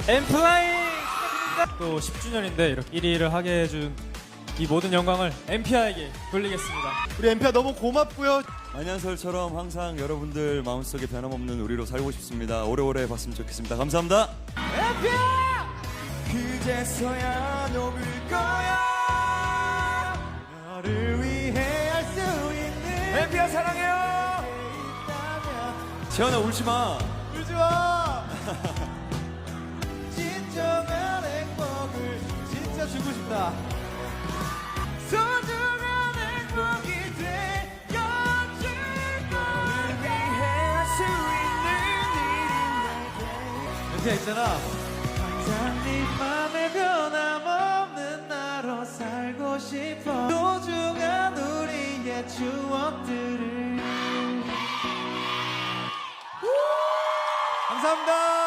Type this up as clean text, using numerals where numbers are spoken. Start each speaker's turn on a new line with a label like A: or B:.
A: 엠플라잉 축하드립니다. 또 10주년인데 이렇게 1위를 하게 해준 이 모든 영광을 엠피아에게 돌리겠습니다.
B: 우리 엠피아 너무 고맙고요.
C: 안녕설처럼 항상 여러분들 마음속에 변함없는 우리로 살고 싶습니다. 오래오래 봤으면 좋겠습니다. 감사합니다.
B: 엠피아! 그제서야 녹을 거야. 너를 위해 할 수 있는 엠피아 사랑해요.
C: 재현아 울지마.
B: 울지마. 진정한 행복을 진짜 주고 싶다. 소중한 행복이 되어줄 너를 위해 할 수 있는 일인 엠피아 있잖아. 항상 네 맘에 변함없는 나로 살고 싶어. 소중한 우리의 추억들을. 감사합니다.